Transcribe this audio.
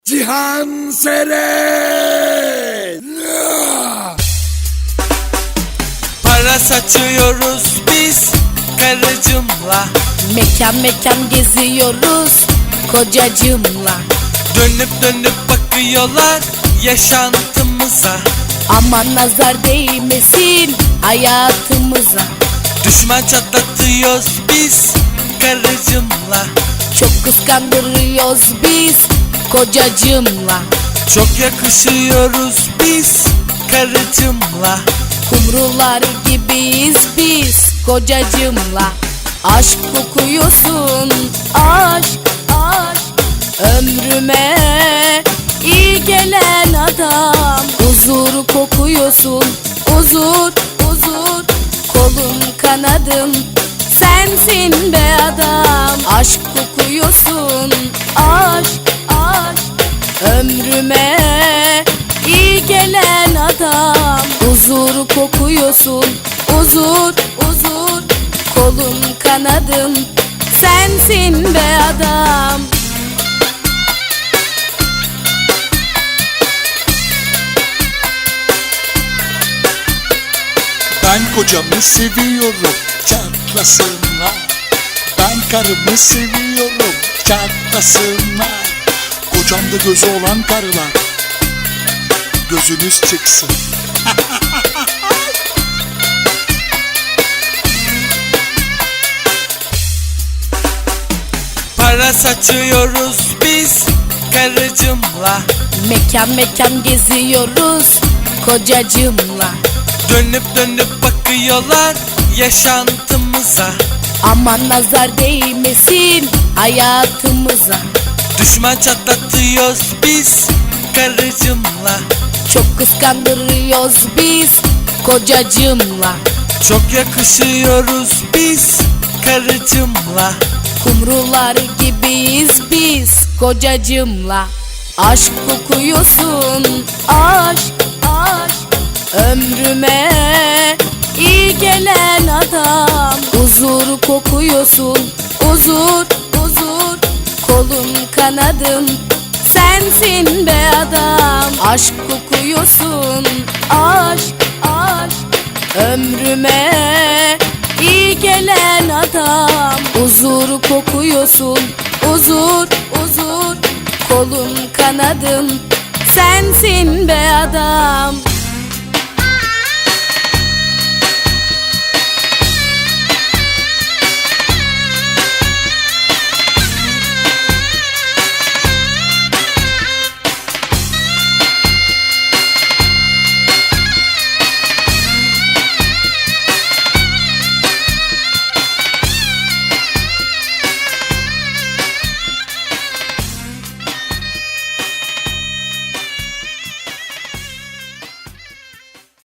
Cihan Seren. Para saçıyoruz biz karıcımla. Mekan mekan geziyoruz kocacığımla. Dönüp dönüp bakıyorlar yaşantımıza. Aman nazar değmesin hayatımıza. Düşman çatlatıyoruz biz karıcımla. Çok kıskandırıyoruz biz kocacığımla. Çok yakışıyoruz biz karıcımla. Kumrular gibiyiz biz kocacığımla. Aşk kokuyorsun, aşk, aşk. Ömrüme iyi gelen adam. Huzur kokuyorsun, huzur, huzur. Kolum kanadım sensin be adam. Aşk kokuyorsun, aşk, aşk. Ömrüme iyi gelen adam. Huzur kokuyorsun, huzur, huzur. Kolum kanadım sensin be adam. Ben kocamı seviyorum, çatlasınlar. Ben karımı seviyorum, çatlasınlar. Kocamda gözü olan karılar, gözünüz çıksın. Para saçıyoruz biz karıcımla. Mekan mekan geziyoruz kocacığımla. Dönüp dönüp bakıyorlar yaşantımıza. Aman nazar değmesin hayatımıza. Düşman çatlatıyoruz biz karıcımla. Çok kıskandırıyoruz biz kocacığımla. Çok yakışıyoruz biz karıcımla. Kumrular gibiyiz biz kocacığımla. Aşk kokuyorsun, aşk, aşk. Ömrüme iyi gelen adam. Huzur kokuyorsun, huzur, huzur. Kolum kanadım sensin be adam. Aşk kokuyorsun, aşk, aşk. Ömrüme iyi gelen adam. Huzur kokuyorsun, huzur, huzur. Kolum kanadım sensin be adam.